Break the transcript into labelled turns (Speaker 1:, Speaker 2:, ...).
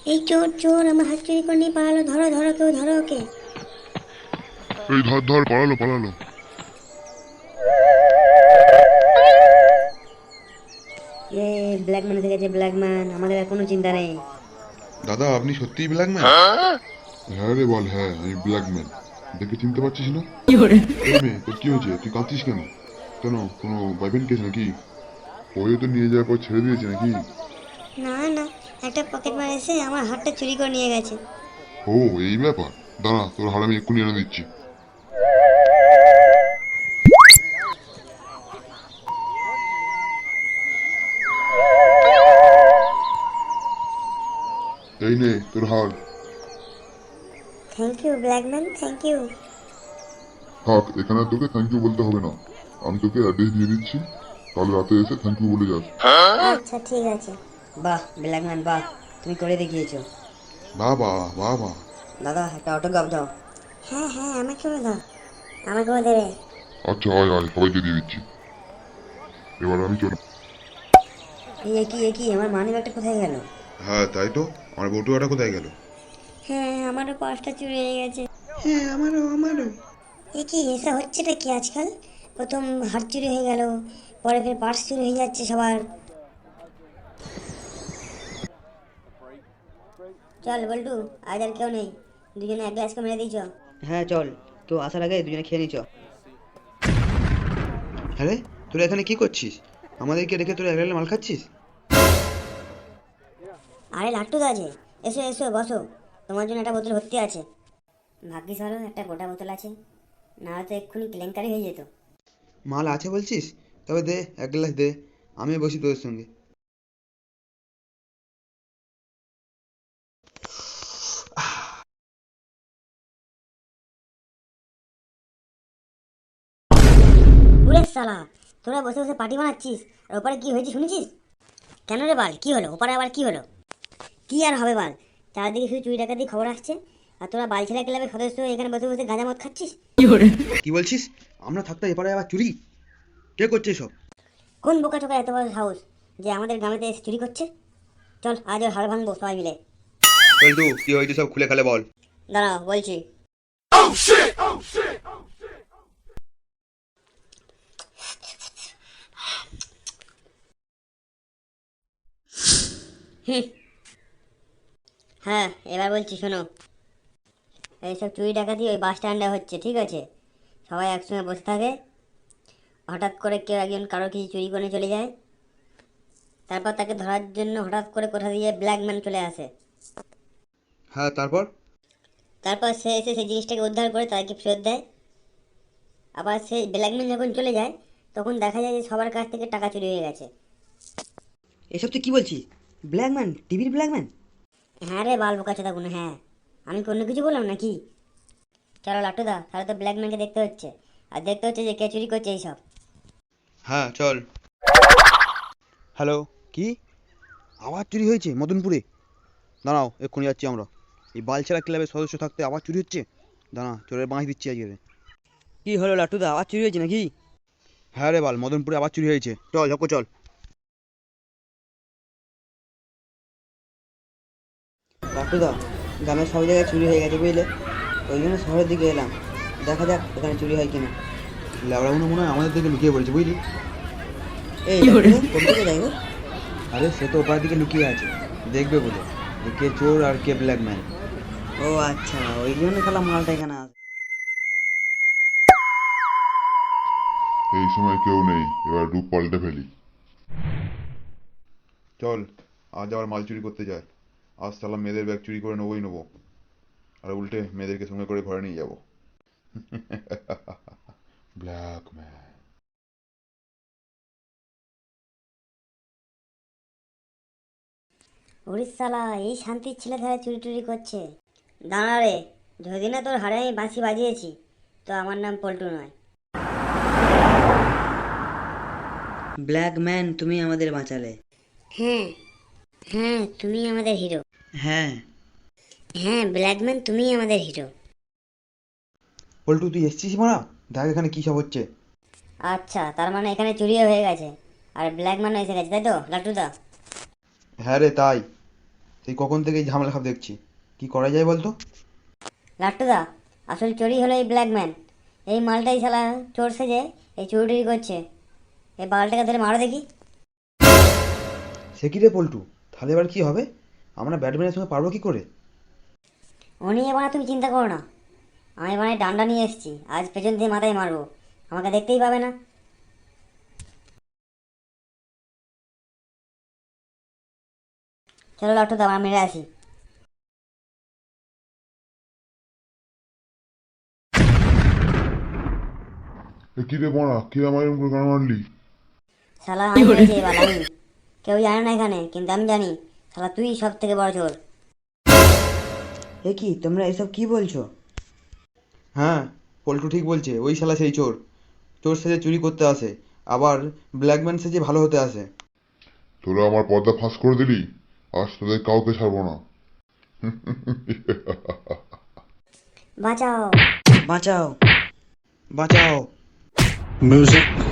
Speaker 1: এই চোর চোর আমার হাত চুরি করে নিয়ে পালালো, ধরো ধরো, কেউ ধরো ওকে।
Speaker 2: এই ধর ধর, পালালো পালালো।
Speaker 1: এ ব্ল্যাক ম্যান এসে গেছে, ব্ল্যাক ম্যান, আমাদের আর কোনো চিন্তা নেই।
Speaker 3: দাদা আপনি সত্যিই ব্ল্যাকম্যান?
Speaker 2: হ্যাঁ রে বল, হ্যাঁ আমি ব্ল্যাকম্যান। দেখে চিনতে পারছিস না? এই মেয়ে, তোর কি হয়েছে? তুই কাঁদছিস কেন? কেন, কোনো বয়ফ্রেন্ড কেস নাকি? ওই তো নিয়ে যাওয়ার পর ছেড়ে দিয়েছে নাকি?
Speaker 1: না না, একটা পকেট মার এসে আমার হাতটা চুরি করে নিয়ে গেছে।
Speaker 2: ও, এই ব্যাপার। দাঁড়া, তোর হার আমি এক্ষুনি এনে দিচ্ছি। এই নে তোর হার।
Speaker 1: Thank you black man, thank you.
Speaker 2: থাক, এখানে আর তোকে থ্যাংক ইউ বলতে হবে না। আমি তোকে অ্যাড্রেস দিয়ে দিচ্ছি, কাল রাতে এসে থ্যাংক ইউ বলে যাস।
Speaker 1: আচ্ছা ঠিক আছে। বাহ ব্ল্যাক ম্যান বাহ, তুমি করে দেখিয়েছো।
Speaker 3: বাহ বাহ বাহ বাহ।
Speaker 1: দাদা একটা অটোগ্রাফ দাও। হ্যাঁ হ্যাঁ, আমাকেও দাও, আমাকেও দেবে।
Speaker 2: আচ্ছা, আয় আয়, সবাইকে দিয়ে দিচ্ছি। এবার আমি চল।
Speaker 1: এই একই আমার মানি ব্যাগটা কোথায় গেল?
Speaker 3: হ্যাঁ তাই তো, আমার বটুয়াটা কোথায় গেল?
Speaker 1: হ্যাঁ, আমারও পার্সটা চুরি হয়ে গেছে।
Speaker 3: হ্যাঁ আমারও।
Speaker 1: কি এসব হচ্ছেটা কি আজকাল? প্রথম হাত চুরি হয়ে গেল, পরে ফের পার্স চুরি হয়ে যাচ্ছে সবার। চল বল্টু, আজ আর কেউ নেই, দুজনে এক গ্লাস করে মেরে দিয়েছ।
Speaker 4: হ্যাঁ চল, কেউ আসার আগে দুজনে খেয়ে নিচ।
Speaker 3: হ্যাঁ রে, তোরা এখানে কি করছিস? আমাদেরকে রেখে তোরা একলা মাল খাচ্ছিস?
Speaker 1: আরে লাট্টু দা আছে, এসো এসো বসো, তোমার জন্য একটা বোতল ভর্তি আছে। ভাগ্যিস ভালো একটা গোটা বোতল আছে, না হয়তো এক্ষুনি কেলেঙ্কারি হয়ে যেত।
Speaker 3: মাল আছে বলছিস? তবে দে, এক গ্লাস দে, আমি বসি তোদের সঙ্গে।
Speaker 1: উরে সালা, তোরা বসে বসে পার্টি বানাচ্ছিস, আর ওপারে কি হয়েছে শুনেছিস? কেন রে বাল, কি হলো ওপারে, আবার কি হলো? কি আর হবে বাল, চারদিকে শুধু চুরি ডাকাতি খবর আসছে, আর তোরা বালছেলা ক্লাবের সদস্য এখানে বসে বসে গাঁজা মদ খাচ্ছিস।
Speaker 3: কি বলছিস? আমরা থাকতে এপারে আবার চুরি? কে করছে এসব?
Speaker 1: কোন বোকা টোকা এত বড় সাহস যে আমাদের গ্রামেতে এসে চুরি করছে? চল আজ ওর হাড় ভাঙবো সবাই মিলে।
Speaker 3: বল্টু, কি হয়েছে সব খুলে খালে বল।
Speaker 1: দাঁড়াও বলছি। হুম, হ্যাঁ এবার বলছি শোনো। এইসব চুরি ডাকাতি ওই বাস স্ট্যান্ডে হচ্ছে, ঠিক আছে? সবাই একসঙ্গে বসে থাকে, হঠাৎ করে কেউ একজন কারো কিছু চুরি করে চলে যায়, তারপর তাকে ধরার জন্য হঠাৎ করে কোথা দিয়ে ব্ল্যাকম্যান চলে আসে।
Speaker 3: হ্যাঁ তারপর?
Speaker 1: তারপর সে এসে সেই জিনিসটাকে উদ্ধার করে তাদেরকে ফেরত দেয়। আবার সেই ব্ল্যাকম্যান যখন চলে যায়, তখন দেখা যায় যে সবার কাছ থেকে টাকা চুরি হয়ে গেছে।
Speaker 4: এসব তুই কি বলছিস? ব্ল্যাকম্যান, টিভির ব্ল্যাকম্যান?
Speaker 1: হ্যাঁ রে বাল বোকাচোদা কোনো, হ্যাঁ। আমি কি অন্য কিছু বললাম নাকি? চলো লাট্টুদা, তাহলে তো ব্ল্যাকম্যানকে দেখতে হচ্ছে, আর দেখতে হচ্ছে যে কে চুরি করছে এইসব।
Speaker 3: হ্যাঁ চল। হ্যালো, কি আবার চুরি হয়েছে মদনপুরে? দাঁড়াও, এক্ষুনি যাচ্ছি আমরা। এই বালছেড়া ক্লাবের সদস্য থাকতে আবার চুরি হচ্ছে? দাঁড়া, চোরের বাঁশ দিচ্ছি আজকে।
Speaker 4: কি হলো লাট্টুদা, আবার চুরি হয়েছে নাকি?
Speaker 3: হ্যাঁ রে বাল, মদনপুরে আবার চুরি হয়েছে। চল ঝক্কো চল।
Speaker 4: লাট্টুদা, গ্রামের সব জায়গায় চুরি হয়ে গেছে বুঝলে, ওই জন্য শহরের দিকে এলাম, দেখা যাক এখানে চুরি হয় কিনা।
Speaker 3: ল্যাবড়াগুলো মনে হয় আমাদের দিকে লুকিয়ে পড়েছে, বুঝলি?
Speaker 4: এই লাট্টুদা, কোন দিকে যাই গো?
Speaker 3: আরে সে তো ওপার দিকে লুকিয়ে আছে, দেখবে বলে যে কে চোর আর কে ব্ল্যাকম্যান।
Speaker 4: ও আচ্ছা, ওই জন্য খেলা মালটা এখানে আসে।
Speaker 2: এই সময় কেউ নেই, এবার রূপ পাল্টে ফেলি।
Speaker 3: চল, আজ আবার মাল চুরি করতে যায়। আজ সালা মেয়েদের ব্যাগ চুরি করে নেবো, আর উল্টে মেয়েদেরকে সঙ্গে করে ঘরে নিয়ে যাবো।
Speaker 2: ব্ল্যাকম্যান।
Speaker 1: উড়িষ্যালা, এই শান্তির ছেলে ধারে চুরি টুরি করছে। দাঁড়া রে, যদি না তোর হাড়ে আমি বাঁশি বাজিয়েছি, তো আমার নাম পল্টু নয়।
Speaker 4: ব্ল্যাকম্যান, তুমি আমাদের বাঁচালে।
Speaker 1: হ্যাঁ হ্যাঁ, তুমি আমাদের হিরো।
Speaker 4: হ্যাঁ।
Speaker 1: হ্যাঁ ব্ল্যাকম্যান, তুমি আমাদের হিরো।
Speaker 3: পল্টু, তুই এসছিস মারা? দেখ এখানে কি সব হচ্ছে।
Speaker 1: আচ্ছা, তার মানে এখানে চুরিও হয়ে গেছে, আর ব্ল্যাকম্যানও এসে গেছে, তাই তো লাট্টুদা?
Speaker 3: হ্যাঁ রে তাই। সেই কখন থেকে এই ঝামেলা খাপ দেখছি, কি করা যায় বলতো?
Speaker 1: লাট্টুদা, আসল চোরই হলো এই ব্ল্যাকম্যান। এই মালটাই শালা চোর সেজে এই চুরি করছে। এই বালটাকে ধরে মারো দেখি।
Speaker 3: সে কি রে পল্টু, তাহলে এবার কি হবে? আমরা ব্যাটম্যানের সঙ্গে পারবো কি করে?
Speaker 1: ও নিয়ে এবার তুমি চিন্তা করো না, আমি এবার ডান্ডা নিয়ে এসেছি, আজ পেছন দিয়ে মাথায় মারবো, আমাকে দেখতেই পাবে না। চলো লাট্টুদা, আমরা মেরে আসি।
Speaker 2: এ কি রে বড়া, কে আমার এরকম করে গান মারলি?
Speaker 1: শালা আমি মেরেছি এবার, আমি। কেউ জানে না এখানে, কিন্তু আমি জানি শালা তুই সব থেকে বড় চোর।
Speaker 4: এ কি তোমরা এসব কি বলছো?
Speaker 3: হ্যাঁ, পল্টু ঠিক বলছে, ওই শালা সেই চোর। চোর সেজে চুরি করতে আসে, আবার ব্ল্যাকম্যান সেজে ভালো হতে আসে।
Speaker 2: তোরা আমার পর্দা ফাঁস করে দিলি, আজ তোদের কাউকে ছাড়বো না।
Speaker 1: বাঁচাও।
Speaker 4: বাঁচাও।
Speaker 3: বাঁচাও।
Speaker 5: Music.